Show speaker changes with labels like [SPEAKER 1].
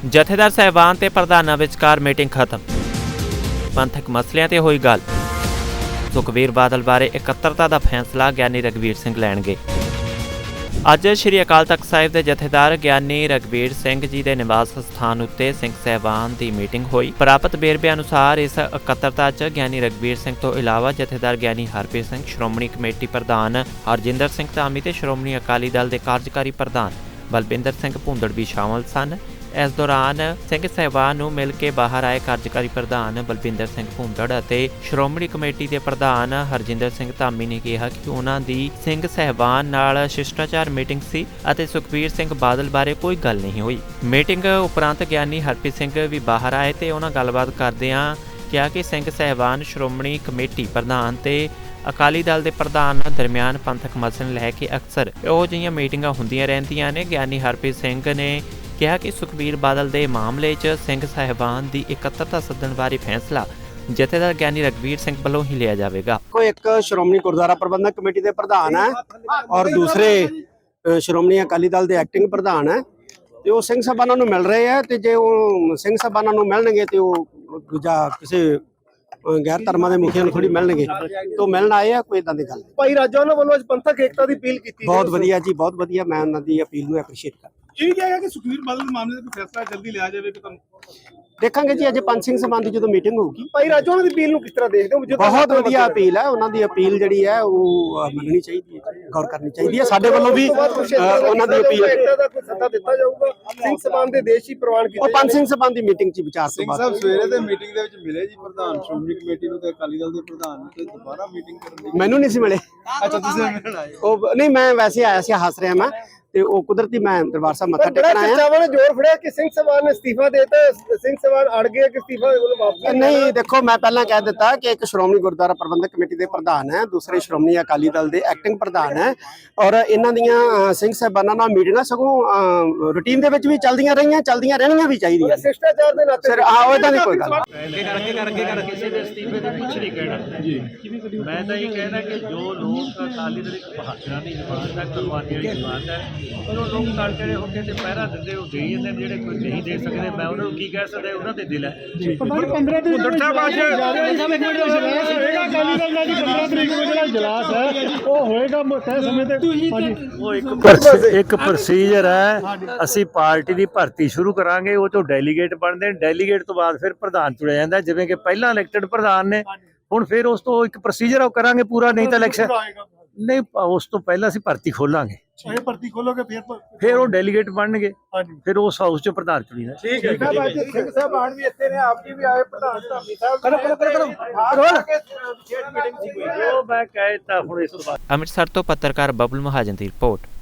[SPEAKER 1] ਜਥੇਦਾਰ ਸਾਹਿਬਾਨ ਤੇ ਪ੍ਰਧਾਨਾਂ ਵਿਚਕਾਰ ਮੀਟਿੰਗ ਖਤਮ। ਪੰਥਕ ਮਸਲਿਆਂ ਤੇ ਹੋਈ ਗੱਲ। ਸੁਖਬੀਰ ਬਾਦਲ ਬਾਰੇ ਇਕੱਤਰਤਾ ਦਾ ਫੈਸਲਾ ਗਿਆਨੀ ਰਘਬੀਰ ਸਿੰਘ ਲੈਣਗੇ। ਅੱਜ ਸ਼੍ਰੀ ਅਕਾਲ ਤਖਤ ਸਾਹਿਬ ਦੇ ਜਥੇਦਾਰ ਗਿਆਨੀ ਰਘਬੀਰ ਸਿੰਘ ਜੀ ਦੇ ਨਿਵਾਸ ਸਥਾਨ ਉੱਤੇ ਸਿੰਘ ਸਾਹਿਬਾਨ ਦੀ ਮੀਟਿੰਗ ਹੋਈ। ਪ੍ਰਾਪਤ ਵੇਰਵੇ ਅਨੁਸਾਰ ਇਸ ਇਕੱਤਰਤਾ 'ਚ ਗਿਆਨੀ ਰਘਬੀਰ ਸਿੰਘ ਤੋਂ ਇਲਾਵਾ ਜਥੇਦਾਰ ਗਿਆਨੀ ਹਰਪ੍ਰੀਤ ਸਿੰਘ, ਸ਼੍ਰੋਮਣੀ ਕਮੇਟੀ ਪ੍ਰਧਾਨ ਹਰਜਿੰਦਰ ਸਿੰਘ ਧਾਮੀ ਤੇ ਸ਼੍ਰੋਮਣੀ ਅਕਾਲੀ ਦਲ ਦੇ ਕਾਰਜਕਾਰੀ ਪ੍ਰਧਾਨ ਬਲਵਿੰਦਰ ਸਿੰਘ ਭੁੰਦੜ ਵੀ ਸ਼ਾਮਲ ਸਨ। ਇਸ ਦੌਰਾਨ ਸਿੰਘ ਸਾਹਿਬਾਨ ਨੂੰ ਮਿਲ ਕੇ ਬਾਹਰ ਆਏ ਕਾਰਜਕਾਰੀ ਪ੍ਰਧਾਨ ਬਲਵਿੰਦਰ ਸਿੰਘ ਭੁੰਦੜ ਅਤੇ ਸ਼੍ਰੋਮਣੀ ਕਮੇਟੀ ਦੇ ਪ੍ਰਧਾਨ ਹਰਜਿੰਦਰ ਸਿੰਘ ਧਾਮੀ ਨੇ ਕਿਹਾ ਕਿ ਉਹਨਾਂ ਦੀ ਸਿੰਘ ਸਾਹਿਬਾਨ ਨਾਲ ਸ਼ਿਸ਼ਟਾਚਾਰ ਮੀਟਿੰਗ ਸੀ ਅਤੇ ਸੁਖਬੀਰ ਸਿੰਘ ਬਾਦਲ ਬਾਰੇ ਕੋਈ ਗੱਲ ਨਹੀਂ ਹੋਈ। ਮੀਟਿੰਗ ਉਪਰੰਤ ਗਿਆਨੀ ਹਰਪ੍ਰੀਤ ਸਿੰਘ ਵੀ ਬਾਹਰ ਆਏ ਤੇ ਉਹਨਾਂ ਗੱਲਬਾਤ ਕਰਦਿਆਂ ਕਿਹਾ ਕਿ ਸਿੰਘ ਸਾਹਿਬਾਨ ਸ਼੍ਰੋਮਣੀ ਕਮੇਟੀ ਪ੍ਰਧਾਨ ਤੇ ਅਕਾਲੀ ਦਲ ਦੇ ਪ੍ਰਧਾਨ ਦਰਮਿਆਨ ਪੰਥਕ ਮਸਲੇ ਲੈ ਕੇ ਅਕਸਰ ਇਹੋ ਜਿਹੀਆਂ ਮੀਟਿੰਗਾਂ ਹੁੰਦੀਆਂ ਰਹਿੰਦੀਆਂ ਨੇ। ਗਿਆਨੀ ਹਰਪ੍ਰੀਤ ਸਿੰਘ ਨੇ ਕਿਹਾ ਕਿ ਸੁਖਬੀਰ ਬਾਦਲ ਦੇ ਮਾਮਲੇ 'ਚ ਸਿੰਘ ਸਾਹਿਬਾਨ ਦੀ ਇਕੱਤਰਤਾ ਸੱਦਣ ਬਾਰੇ ਫੈਸਲਾ ਜਥੇਦਾਰ ਗਿਆਨੀ ਰਘਬੀਰ ਸਿੰਘ ਵੱਲੋਂ ਹੀ ਲਿਆ ਜਾਵੇਗਾ।
[SPEAKER 2] ਕੋਈ ਇੱਕ ਸ਼੍ਰੋਮਣੀ ਗੁਰਦੁਆਰਾ ਪ੍ਰਬੰਧਕ ਕਮੇਟੀ ਦੇ ਪ੍ਰਧਾਨ ਹੈ ਔਰ ਦੂਸਰੇ ਸ਼੍ਰੋਮਣੀ ਅਕਾਲੀ ਦਲ ਦੇ ਐਕਟਿੰਗ ਪ੍ਰਧਾਨ ਹੈ ਤੇ ਉਹ ਸਿੰਘ ਸਾਹਿਬਾਨਾਂ ਨੂੰ ਮਿਲ ਰਹੇ ਆ ਤੇ ਜੇ ਉਹ ਸਿੰਘ ਸਾਹਿਬਾਨਾਂ ਨੂੰ ਮਿਲਣਗੇ ਤੇ ਉਹ ਦੂਜਾ ਕਿਸੇ ਗੈਰ ਧਰਮਾਂ ਦੇ ਮੁਖੀਆਂ ਨੂੰ ਥੋੜੀ ਮਿਲਣਗੇ ਤੋਂ ਮਿਲਣ ਆਏ ਆ। ਕੋਈ ਇਦਾਂ ਦੀ ਗੱਲ
[SPEAKER 3] ਭਾਈ ਰਾਜਾ ਉਹਨਾਂ ਵੱਲੋਂ ਅੱਜ ਪੰਥਕ ਏਕਤਾ ਦੀ ਅਪੀਲ ਕੀਤੀ।
[SPEAKER 2] ਬਹੁਤ ਵਧੀਆ ਜੀ, ਬਹੁਤ ਵਧੀਆ। ਮੈਂ ਉਹਨਾਂ ਦੀ ਅਪੀਲ ਨੂੰ ਐਪਰੀਸ਼ੀਏਟ ਕਰਦਾ।
[SPEAKER 3] ਇਹ ਕਿਹਾ ਕਿ ਸੁਖਬੀਰ ਬਾਦਲ ਦੇ ਮਾਮਲੇ ਦਾ ਕੋਈ ਫੈਸਲਾ ਜਲਦੀ ਲਿਆ ਜਾਵੇ ਕਿ ਤੁਹਾਨੂੰ
[SPEAKER 2] ਦੇਖਾਂਗੇ ਜੀ ਅੱਜ ਪੰਜ ਸਿੰਘ ਸਭਾ ਦੀ ਜਦੋਂ ਮੀਟਿੰਗ ਹੋਊਗੀ।
[SPEAKER 3] ਭਾਈ ਰਾਜਾ ਉਹਨਾਂ ਦੀ ਅਪੀਲ ਨੂੰ ਕਿਸ ਤਰ੍ਹਾਂ ਦੇਖਦੇ ਹੋ?
[SPEAKER 2] ਬਹੁਤ ਵਧੀਆ ਅਪੀਲ ਹੈ ਉਹਨਾਂ ਦੀ। ਅਪੀਲ ਜਿਹੜੀ ਹੈ ਉਹ ਮੰਨਣੀ ਚਾਹੀਦੀ ਹੈ, ਗੌਰ ਕਰਨੀ ਚਾਹੀਦੀ ਹੈ। ਸਾਡੇ ਵੱਲੋਂ ਵੀ ਉਹਨਾਂ ਦੀ ਅਪੀਲ
[SPEAKER 3] ਦਾ ਕੋਈ ਸੱਦਾ ਦਿੱਤਾ ਜਾਊਗਾ। ਸਿੰਘ ਸਭਾ ਦੇ ਦੇਸ਼ ਹੀ ਪ੍ਰਵਾਨ ਕੀਤਾ।
[SPEAKER 2] ਉਹ ਪੰਜ ਸਿੰਘ ਸਭਾ ਦੀ ਮੀਟਿੰਗ 'ਚ ਵਿਚਾਰ ਤੋਂ ਬਾਅਦ
[SPEAKER 4] ਸਾਹਿਬ ਸਵੇਰੇ ਦੇ ਮੀਟਿੰਗ ਦੇ ਵਿੱਚ ਮਿਲੇ ਜੀ ਪ੍ਰਧਾਨ ਸ਼੍ਰੋਮਣੀ ਕਮੇਟੀ ਨੂੰ ਤੇ ਅਕਾਲੀ ਦਲ ਦੇ ਪ੍ਰਧਾਨ ਨੂੰ ਤੇ ਦੁਬਾਰਾ ਮੀਟਿੰਗ ਕਰਨ ਦੀ।
[SPEAKER 2] ਮੈਨੂੰ ਨਹੀਂ ਸੀ ਮਿਲੇ।
[SPEAKER 4] ਅੱਛਾ ਤੁਸੀਂ ਮਿਲਣ ਆਏ।
[SPEAKER 2] ਉਹ ਨਹੀਂ, ਮੈਂ ਵੈਸੇ ਆਇਆ ਸੀ, ਹੱਸ ਰਿਹਾ ਮੈਂ ਤੇ ਉਹ ਕੁਦਰਤੀ ਮੈਂ ਦਰਬਾਰ ਸਾਹਿਬ ਮੱਥਾ
[SPEAKER 3] ਬੜਾ
[SPEAKER 2] ਟੇਕਣ ਆਇਆ।
[SPEAKER 3] ਚਰਚਾਵਾਂ ਨੇ ਜ਼ੋਰ ਫੜਿਆ ਕਿ ਸਿੰਘ ਸਭਾ ਨੇ ਅਸਤੀਫਾ ਦੇਤਾ। ਸਿੰਘ ਸਭਾ ਅੜ ਗਿਆ ਕਿ ਅਸਤੀਫਾ ਉਹਨੂੰ ਵਾਪਸ
[SPEAKER 2] ਨਹੀਂ, ਦੇਖੋ ਮੈਂ ਪਹਿਲਾਂ ਕਹਿ ਦਿੱਤਾ ਕਿ ਇੱਕ ਸ਼੍ਰੋਮਣੀ ਗੁਰਦੁਆਰਾ ਪ੍ਰਬੰਧਕ ਕਮੇਟੀ ਦੇ ਪ੍ਰਧਾਨ ਹੈ, ਦੂਸਰੇ ਸ਼੍ਰੋਮਣੀ ਅਕਾਲੀ ਦਲ ਦੇ ਐਕਟਿੰਗ ਪ੍ਰਧਾਨ ਹੈ ਔਰ ਇਹਨਾਂ ਦੀਆਂ ਸਿੰਘ ਸਾਹਿਬਾਨਾਂ ਨਾਲ ਮੀਟਿੰਗਾਂ ਸਗੋਂ ਰੂਟੀਨ ਦੇ ਵਿੱਚ ਵੀ ਚੱਲਦੀਆਂ ਰਹੀਆਂ, ਚੱਲਦੀਆਂ ਰਹਿਣੀਆਂ ਵੀ ਚਾਹੀਦੀਆਂ।
[SPEAKER 3] ਸ਼ਿਸ਼ਟਾਚਾਰ ਦੇ ਨਾਤੇ
[SPEAKER 2] ਸਰ ਉਹਦਾ ਨਹੀਂ ਕੋਈ ਗੱਲ।
[SPEAKER 5] ਕਿਸੇ ਦੇ ਅਸਤੀਫੇ ਦੇ ਕੁਛ ਨਹੀਂ ਕਹਿਣਾ ਜੀ। ਮੈਂ ਤਾਂ ਇਹ ਕਹਿਣਾ ਕਿ ਜੋ ਲੋਕ ਅਕਾਲੀ ਦਲ ਇੱਕ ਬਹਾਦਰਾਂ ਦੀ ਜਮਾਤ ਹੈ, ਕੁਰਬਾਨੀ ਵਾਲੀ ਜਮਾਤ ਹੈ, ਪਰ ਉਹ ਲੋਕ ਨਾਲ ਜਿਹੜੇ ਹੋ ਕੇ ਤੇ ਪਹਿਰਾ ਦਿੰਦੇ ਉਹ ਦੇ ਜਾਂਦੇ। ਜਿਹੜੇ ਕੋਈ ਨਹੀਂ ਦੇ ਸਕਦੇ ਮੈਂ ਉਹਨਾਂ ਨੂੰ ਕੀ ਕਹਿ ਸਕਦਾ, ਉਹਨਾਂ ਦੇ ਦਿਲ ਹੈ।
[SPEAKER 3] 15 ਤਰੀਕ ਨੂੰ ਅਕਾਲੀ ਦਲ ਦਾ 15 ਤਰੀਕ ਨੂੰ ਜਿਹੜਾ ਇਜਲਾਸ ਹੈ ਉਹ ਹੋਏਗਾ ਤੈਅ ਸਮੇਂ ਤੇ।
[SPEAKER 5] ਉਹ ਇੱਕ ਪ੍ਰੋਸੀਜਰ ਹੈ। ਅਸੀਂ ਪਾਰਟੀ ਦੀ ਭਰਤੀ ਸ਼ੁਰੂ ਕਰਾਂਗੇ, ਉਹ ਤੋਂ ਡੈਲੀਗੇਟ ਬਣਦੇ ਨੇ। ਡੈਲੀਗੇਟ ਤੋਂ ਬਾਅਦ ਫਿਰ ਪ੍ਰਧਾਨ ਚੁਣਿਆ ਜਾਂਦਾ, ਜਿਵੇਂ ਕਿ ਪਹਿਲਾਂ ਇਲੈਕਟਡ ਪ੍ਰਧਾਨ ਨੇ। ਹੁਣ ਫਿਰ ਉਸ ਤੋਂ ਇੱਕ ਪ੍ਰੋਸੀਜਰ ਉਹ ਕਰਾਂਗੇ ਪੂਰਾ, ਨਹੀਂ ਤਾਂ ਇਲੈਕਸ਼ਨ ਨਹੀਂ, ਉਸ ਤੋਂ ਪਹਿਲਾਂ ਅਸੀਂ ਭਰਤੀ ਖੋਲਾਂਗੇ।
[SPEAKER 3] ਇਹ ਭਰਤੀ ਖੋਲੋਗੇ
[SPEAKER 5] ਫਿਰ ਉਹ ਡੈਲੀਗੇਟ ਬਣਨਗੇ, ਫਿਰ ਉਸ ਹਾਊਸ 'ਚ ਪ੍ਰਧਾਨ ਚੁਣੀ ਦਾ।
[SPEAKER 3] ਠੀਕ ਹੈ। ਸਿੰਘ ਸਾਹਿਬ ਆਣ ਵੀ ਇੱਥੇ ਨੇ, ਆਪ ਜੀ ਵੀ ਆਏ, ਪ੍ਰਧਾਨ ਧਾਮੀ ਸਾਹਿਬ
[SPEAKER 5] ਉਹ ਮੈਂ ਕਹਿ ਦਿੱਤਾ ਹੁਣ ਇਸ ਤੋਂ ਬਾਅਦ।
[SPEAKER 1] ਅੰਮ੍ਰਿਤਸਰ ਤੋਂ ਪੱਤਰਕਾਰ ਬਬਲ ਮਹਾਜਨ ਦੀ ਰਿਪੋਰਟ।